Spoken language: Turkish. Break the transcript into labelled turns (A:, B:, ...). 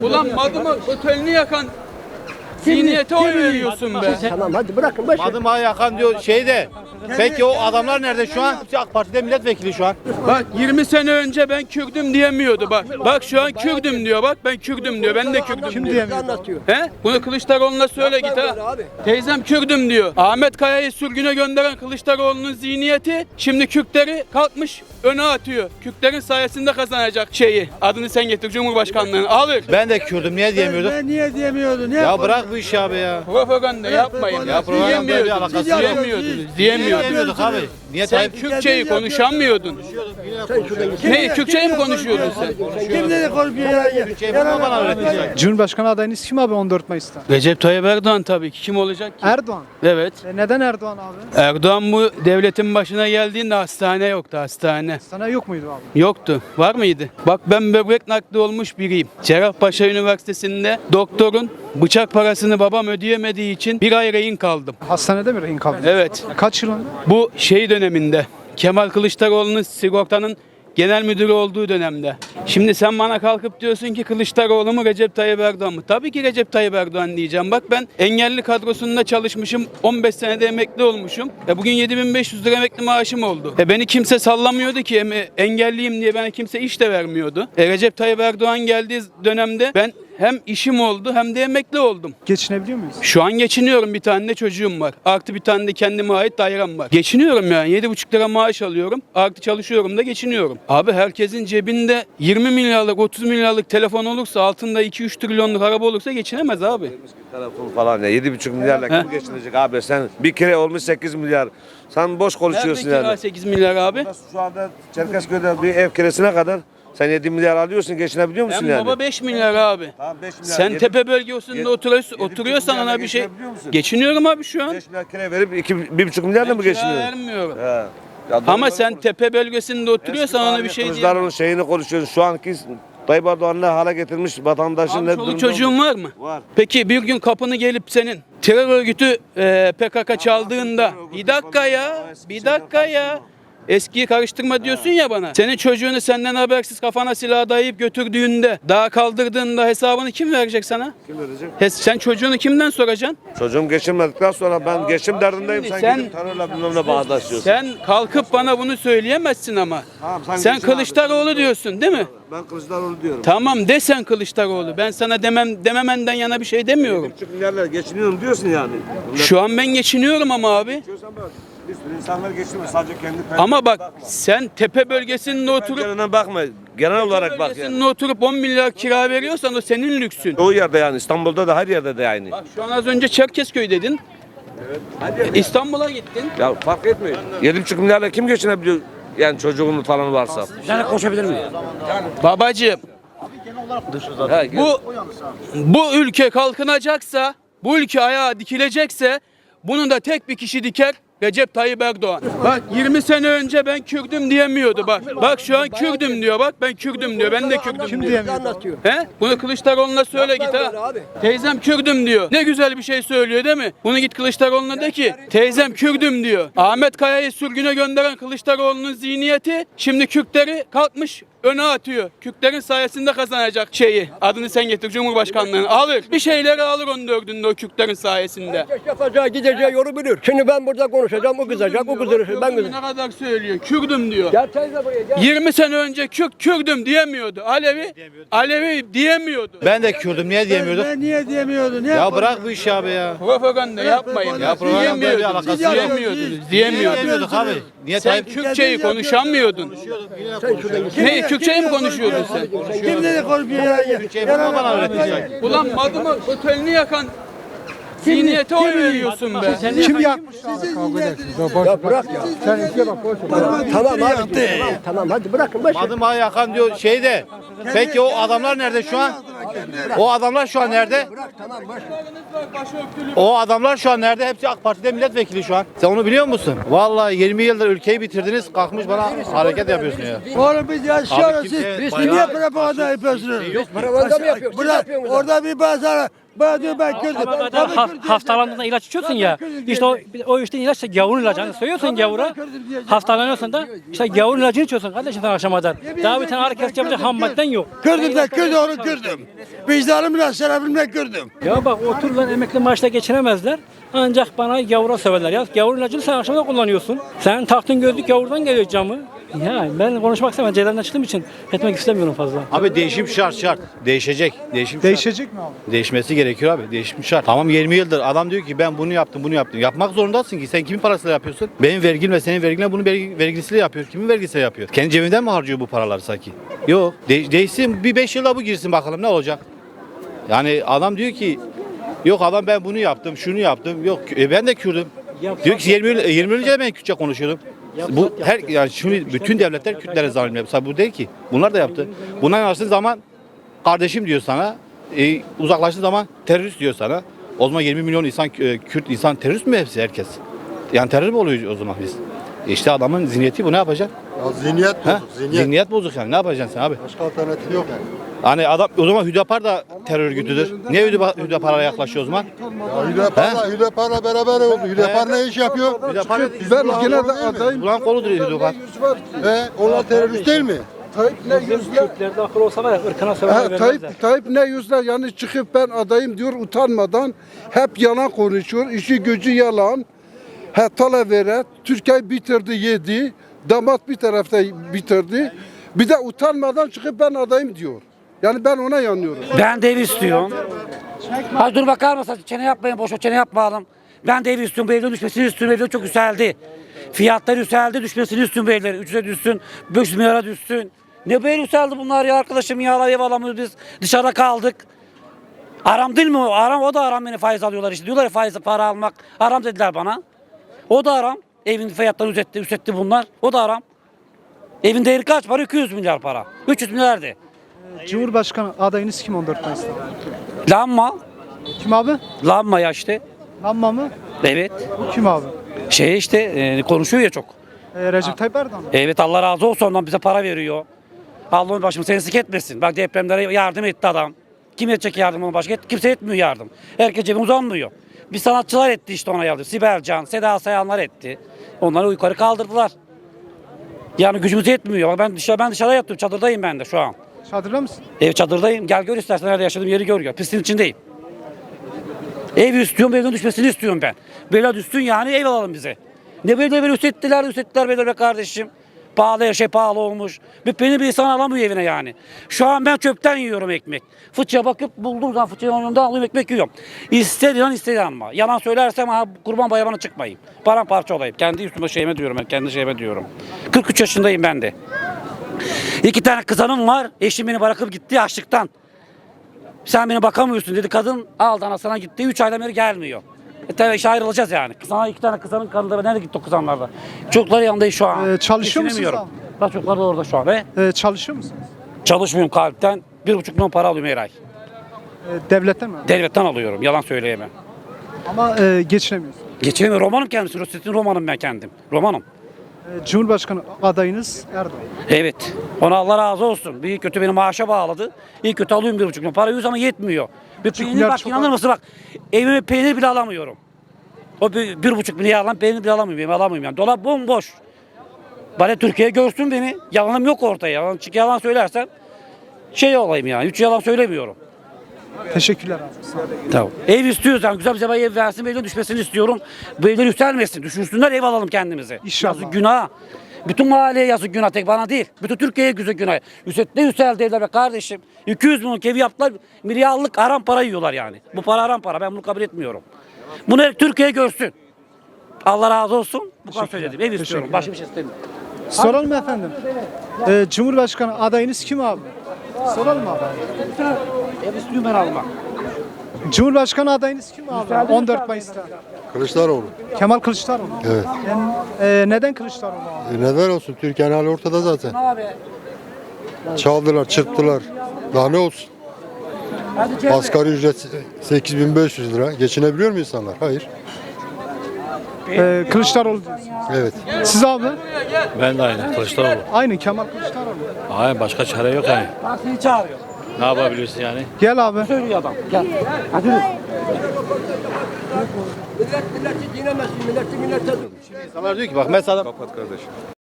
A: Ulan Madımak otelini yakan zihniyete oy veriyorsun be.
B: Tamam hadi bırakın boş ver.
C: Madımak'ı yakan diyor şeyde. Peki o adamlar nerede şu an? AK Parti'de milletvekili şu an.
A: Bak 20 sene önce ben Kürdüm diyemiyordu bak. Bak şu an Kürdüm diyor bak, ben Kürdüm diyor. Ben de Kürdüm diyor.
B: Anlatıyor.
A: He? Bunu Kılıçdaroğlu'na söyle git ha.
B: Abi.
A: Teyzem Kürdüm diyor. Ahmet Kaya'yı sürgüne gönderen Kılıçdaroğlu'nun zihniyeti şimdi Kürtleri kalkmış öne atıyor. Kürtlerin sayesinde kazanacak şeyi. Adını sen getir, Cumhurbaşkanlığını alır.
C: Ben de Kürdüm niye diyemiyordum?
D: Ben niye diyemiyordun? Niye
C: Ya bırak bu işi abi ya.
A: Propaganda yapmayın.
C: Ya propaganda bir alakası yok.
A: Diyemiyordunuz.
C: Diyemiyorduk abi. Niye
A: Sen
C: Tayyip?
A: Kürtçeyi konuşamıyordun. Ne? Kürtçeyi mi konuşuyordun sen?
D: Kim dedi konuşuyor ya?
C: Şey bana öğretecek.
E: Cumhurbaşkanı adayınız kim abi 14 Mayıs'ta?
A: Recep Tayyip Erdoğan tabii ki. Kim olacak ki?
E: Erdoğan.
A: Evet.
E: Neden Erdoğan abi?
A: Erdoğan bu devletin başına geldiğinde hastane yoktu, hastane.
E: Sana yok muydu abi?
A: Yoktu. Var mıydı? Bak ben böbrek nakli olmuş biriyim. Cerrahpaşa Üniversitesi'nde doktorun bıçak parasını babam ödeyemediği için bir ay rehin kaldım.
E: Hastanede mi rehin kaldın?
A: Evet.
E: Kaç yılında?
A: Bu şey döneminde. Kemal Kılıçdaroğlu'nun sigortanın genel müdürü olduğu dönemde. Şimdi sen bana kalkıp diyorsun ki Kılıçdaroğlu mu Recep Tayyip Erdoğan mı? Tabii ki Recep Tayyip Erdoğan diyeceğim. Bak ben engelli kadrosunda çalışmışım. 15 senede emekli olmuşum. Bugün 7.500 lira emekli maaşım oldu. Beni kimse sallamıyordu ki. Engelliyim diye bana kimse iş de vermiyordu. Recep Tayyip Erdoğan geldiği dönemde ben hem işim oldu hem de emekli oldum.
E: Geçinebiliyor muyuz?
A: Şu an geçiniyorum, bir tane de çocuğum var. Artı bir tane de kendime ait dairem var. Geçiniyorum yani 7,5 lira maaş alıyorum. Artı çalışıyorum da geçiniyorum. Abi herkesin cebinde 20 milyarlık 30 milyarlık telefon olursa, altında 2-3 trilyonluk araba olursa geçinemez abi.
F: Telefon falan ya 7,5 milyarla kim geçinecek abi, sen bir kere olmuş 8 milyar. Sen boş konuşuyorsun
A: Nerede kira
F: yani.
A: 8 milyar abi?
F: Şu anda Çerkezköy'de bir ev kiresine kadar sen 7 milyar alıyorsun, geçinebiliyor musun
A: Hem
F: yani?
A: baba 5 milyar abi.
F: Tamam, 5 milyar.
A: Sen
F: Yedi-
A: tepe bölgesinde
F: yedi-
A: oturuyorsan
F: milyarla
A: ona bir şey...
F: geçinebiliyor musun?
A: Geçiniyorum abi şu an.
F: 5 milyar kire verip 1,5 milyarla mı
A: Kira
F: geçiniyorsun?
A: vermiyorum.
F: He. Ya doğru
A: Ama
F: doğru
A: sen
F: konuş.
A: tepe bölgesinde oturuyorsan ona bir şey diyemem.
F: Kılıçdaroğlu'nun şeyini konuşuyorsun. Şu anki Tayyip Erdoğan ne hale getirmiş vatandaşın
A: Abi
F: ne
A: çoluk
F: durumda
A: çocuğun
F: olduğunu-
A: var mı?
F: Var.
A: Peki bir gün kapını gelip senin terör örgütü PKK çaldığında bir dakika ya eskiyi karıştırma diyorsun ya bana. Senin çocuğunu senden habersiz kafana silah dayayıp götürdüğünde, daha kaldırdığında hesabını kim verecek sana?
F: Kim verecek?
A: Sen çocuğunu kimden soracaksın?
F: Çocuğum geçinmedikten sonra ben geçim derdindeyim.
A: Şimdi
F: Sen
A: sen-
F: gidip terörle bilmem ne bağdaşıyorsun.
A: Sen kalkıp bana bunu söyleyemezsin ama.
F: Tamam,
A: Sen
F: geçin
A: Kılıçdaroğlu
F: abi.
A: diyorsun değil mi?
F: Ben Kılıçdaroğlu diyorum.
A: Tamam de sen Kılıçdaroğlu. Ben sana dememenden yana bir şey demiyorum.
F: 1,5 milyarla geçiniyorum diyorsun yani.
A: Şu an ben geçiniyorum ama abi.
F: Geçiyorsan bak, bir sürü insanlar geçiniyor sadece kendi
A: Ama bak sen tepe bölgesinde oturup
F: pencerene bakma. Genel olarak bak yani.
A: bölgesinde oturup 10 milyar kira veriyorsan o senin lüksün.
F: O yerde yani, İstanbul'da da her yerde de yani.
A: Bak şu an az önce Çerkezköy dedin. İstanbul'a gittin.
F: Ya fark etmiyor. 7,5 milyarla kim geçinebiliyor? Yani çocuğunun falan varsa.
A: Babacığım
F: Ha,
A: bu ülke kalkınacaksa, bu ülke ayağa dikilecekse bunu da tek bir kişi diker. Recep Tayyip Erdoğan. Bak 20 sene önce ben Kürdüm diyemiyordu bak. Bak şu an Kürdüm diyor bak, ben Kürdüm diyor. Ben de Kürdüm diyor.
B: Anlatıyor.
A: He? Bunu Kılıçdaroğlu'na söyle git
B: böyle
A: ha.
B: abi.
A: Teyzem Kürdüm diyor. Ne güzel bir şey söylüyor değil mi? Bunu git Kılıçdaroğlu'na de ki teyzem Kürdüm diyor. Ahmet Kaya'yı sürgüne gönderen Kılıçdaroğlu'nun zihniyeti şimdi Kürtleri kalkmış öne atıyor. Kürtlerin sayesinde kazanacak şeyi. Adını sen getir, Cumhurbaşkanlığını alır. Bir şeyleri alır 14'ünde o Kürtlerin sayesinde.
B: Herkes yapacağı gideceği yolu bilir. Şimdi ben burada konuşacağım, o kızacak, o kızdırır, ben
A: Kürdüm
B: kızacağım.
A: ne kadar söylüyor? Kürdüm diyor.
B: Gel teyze buraya gel.
A: 20 sene önce Kürdüm diyemiyordu. Alevi diyemiyordu.
C: Ben de Kürdüm niye diyemiyordum?
D: Ben niye diyemiyordun? Niye
C: Ya bırak bu işi abi ya.
A: Propaganda yapmayın.
D: Ya
C: propaganda bir alakası yok.
A: Diyemiyordunuz.
C: Diyemiyorduk abi. Niye
A: Sen
C: Tayyip?
A: Kürtçeyi konuşamıyordun. Ne? Kürtçeyi mi konuşuyordun sen?
D: Kim dedi konuşuyor ya?
C: Şey bana öğretecek.
A: Ulan Madımak otelini yakan zihniyete oy veriyorsun be.
E: Kim yapmış?
B: Ya bırak ya. Tamam abi. Tamam hadi bırakın boş ver.
C: Madımak'ı yakan diyor şeyde. Peki o adamlar nerede şu an? O adamlar şu an nerede?
B: Tamam boş ver.
C: O adamlar şu an nerede? Hepsi AK Parti'de milletvekili şu an. Sen onu biliyor musun? Vallahi 20 yıldır ülkeyi bitirdiniz. Kalkmış bana hareket yapıyorsun ya.
D: Oğlum biz yaşıyoruz.
C: Abi kimse
D: Siz
C: bayağı-
D: niye propaganda yapıyorsunuz?
B: Propaganda mı yapıyoruz? Siz
D: Burada,
B: yapıyorsunuz.
D: orada bir bazara Bana diyor ben Kürdüm.
G: Ama
D: Tabii
G: kadar
D: Kürdüm
G: hastalandığında ilaç içiyorsun ya. İşte o işte ilaç da gavur ilacı. Hani söylüyorsun gavura. Hastalanıyorsun da işte gavur ilacını içiyorsun kardeşim sen akşama kadar. Daha bir tane ağrı kesici yapacak ham madden yok.
D: Kürdüm de Kürdüm onu Kürdüm. Vicdanımla şerefimle Kürdüm.
G: Ya bak otururlar emekli maaşla geçinemezler. Ancak bana gavura söverler ya. Gavur ilacını sen akşamda kullanıyorsun. Sen taktın gözlük gavurdan geliyor camı. Ya ben konuşmak istemem. Celal'den çıktığım için etmek istemiyorum fazla.
C: Abi değişim şart. Değişecek. Değişim şart.
E: Değişecek mi abi?
C: Değişmesi gerekiyor abi. Değişim şart. Tamam 20 yıldır adam diyor ki ben bunu yaptım bunu yaptım. Yapmak zorundasın ki. Sen kimin parasıyla yapıyorsun? Benim vergim ve senin verginle bunu vergisiyle yapıyor. Kimin vergisiyle yapıyor? Kendi cebinden mi harcıyor bu paraları sanki? Yok. Değişsin bir 5 yılda bu girsin bakalım ne olacak? Yani adam diyor ki yok adam ben bunu yaptım şunu yaptım. Yok ben de Kürdüm. Diyor ki 20 yıl önce de ben Kürtçe konuşuyordum. Bu her yani şimdi bütün devletler Kürtlere zalim yapıyor. Bu değil ki. Bunlar da yaptı. Buna yanaştığın zaman kardeşim diyor sana. Uzaklaştığı zaman terörist diyor sana. O zaman 20 milyon insan Kürt insan terörist mi hepsi herkes? Yani terör mü oluyor o zaman biz? İşte adamın zihniyeti bu ne yapacak?
H: Ya zihniyet
C: Ha?
H: bozuk, zihniyet.
C: Zihniyet bozuk yani ne yapacaksın sen abi?
H: Başka alternatif yok yani.
C: Hani adam o zaman Hüdapar da terör örgütüdür. Niye Hüdapar'a yaklaşıyor o zaman?
H: Ya Hüdapar'la beraber oldu. Hüdapar ne iş yapıyor?
C: Hüdapar
H: Ben gene de adayım.
C: ulan koludur Hüdapar.
H: Onlar terörist değil mi?
B: Tayyip ne yüzle?
G: Kürtlerde akıl olsa var ya ırkına söverler vermezler.
B: Tayyip ne yüzle yani çıkıp ben adayım diyor utanmadan hep yalan konuşuyor. İşi gücü yalan. Talavera Türkiye bitirdi yedi. Damat bir tarafta bitirdi. Bir de utanmadan çıkıp ben adayım diyor. Yani ben ona yanıyorum.
I: Ben de ev istiyorum. Hadi dur bakar mısın? Çene yapmayın, boş çene yapmayalım. Ben de ev istiyorum, bu evden düşmesini istiyorum. Evden çok yükseldi. Fiyatlar yükseldi, düşmesini istiyorum bu evlerin. 300'e düşsün, 500 milyara düşsün. Ne böyle yükseldi bunlar ya arkadaşım ya, ev alamıyoruz biz. Dışarıda kaldık. Aram değil mi o? Aram, o da aram, beni faiz alıyorlar işte. Diyorlar ya faiz para almak. Aram dediler bana. O da aram. Evin fiyatlarını üstetti bunlar. O da aram. Evin değeri kaç para? 200 milyar para. 300 milyardı.
E: Cumhurbaşkanı adayınız kim 14 Mayıs'ta?
I: Lanma.
E: Kim abi?
I: Lanma ya işte.
E: Lanma mı?
I: Evet.
E: Bu kim abi?
I: Şey işte konuşuyor ya çok.
E: Recep Tayyip Erdoğan mı?
I: Evet Allah razı olsun ondan bize para veriyor. Allah'ın başımı seni sık etmesin. Bak depremlere yardım etti adam. Kim edecek yardımını başka? Kimse etmiyor yardım. Herkes cebine uzanmıyor. Bir sanatçılar etti işte ona yardım. Sibel Can, Seda Sayanlar etti. Onları yukarı kaldırdılar. Yani gücümüz yetmiyor. Bak ben dışarıda yattım. Çadırdayım ben de şu an.
E: Çadırda mısın?
I: Ev çadırdayım. Gel gör istersen nerede yaşadığım yeri gör ya. Pisliğin içindeyim. Ev istiyorum, evden düşmesini istiyorum ben. Böyle düşsün yani ev alalım bize. Ne böyle üstettiler böyle be kardeşim. Pahalı her şey pahalı olmuş. Beni bir insan alamıyor evine yani. Şu an ben çöpten yiyorum ekmek. Fıçıya bakıp bulduğum zaman fıçıya önünden alıyorum ekmek yiyorum. İstedi ama. Yalan söylersem kurban bayramına çıkmayayım. Paramparça olayım. Kendi üstüme şeyime diyorum ben. Kendi şeyime diyorum. 43 yaşındayım ben de. 2 tane kızanım var. Eşim beni bırakıp gitti açlıktan. Sen beni bakamıyorsun dedi kadın. Aldı anasına gitti. 3 aydan beri gelmiyor. Tabii işe ayrılacağız yani. Sana 2 tane kızanın karnında nerede gitti o kızanlarda? Çocuklar yanında şu an.
E: Çalışıyor musunuz
I: Geçinemiyorum. Bak çocuklar da orada şu an.
E: Çalışıyor musunuz?
I: Çalışmıyorum kalpten. 1,5 milyon para alıyorum her ay.
E: Devletten mi?
I: Devletten alıyorum. Yalan söyleyemem.
E: Ama geçinemiyorsunuz.
I: Geçinemiyorum. Romanım kendisi. Rosetin romanım ben kendim. Romanım.
E: Cumhurbaşkanı adayınız Erdoğan.
I: Evet. Ona Allah razı olsun. İyi kötü beni maaşa bağladı. İyi kötü alıyorum 1,5 milyon. Para yüz ama yetmiyor. Bir peynir
E: milyar
I: bak
E: çok
I: inanır mısın bak. Evime peynir bile alamıyorum. O 1,5 milyar alan peynir bile alamıyorum. Alamıyorum yani. Dolap bomboş. Bari Türkiye görsün beni. Yalanım yok ortaya. Çünkü yalan söylersem şey olayım yani. Hiç yalan söylemiyorum.
E: Teşekkürler abi. Sağ olun.
I: Tamam. Ev istiyoruz yani güzel bize bir ev versin, bir evden düşmesini istiyorum. Bu evler yükselmesin, düşünsünler ev alalım kendimize.
E: İnşallah.
I: Yazık günah. Bütün mahalleye yazık günah, tek bana değil. Bütün Türkiye'ye güzel günah. Ne yükseldi evler be kardeşim. 200 milyon evi yaptılar, milyarlık aram para yiyorlar yani. Bu para aram para, ben bunu kabul etmiyorum. Bunu Türkiye görsün. Allah razı olsun. Bu kadar söyledim. Ev istiyorum, başka bir şey istemiyorum.
E: Soralım mı efendim? Cumhurbaşkanı adayınız kim abi? Soralım abi.
I: Ev istiyorum ben almak.
E: Cumhurbaşkanı adayınız kim abi? 14 Mayıs'ta.
H: Kılıçdaroğlu.
E: Kemal Kılıçdaroğlu.
H: Evet.
E: Neden Kılıçdaroğlu abi?
H: Neden olsun? Türkiye'nin hali ortada zaten.
I: Abi.
H: Çaldılar, çırptılar. Daha ne olsun? Asgari ücret 8.500 lira. Geçinebiliyor mu insanlar? Hayır.
E: Kılıçdaroğlu diyorsunuz.
H: Evet.
E: Siz abi?
J: Ben de aynı Kılıçdaroğlu.
E: Aynı Kemal Kılıçdaroğlu.
J: Hayır başka çare yok yani.
I: Partiyi çağırıyor.
C: Ne yapabiliyorsun yani?
E: Gel abi.
I: Söylüyor adam. Gel. Hadi.
C: İnsanlar diyor ki bak mesela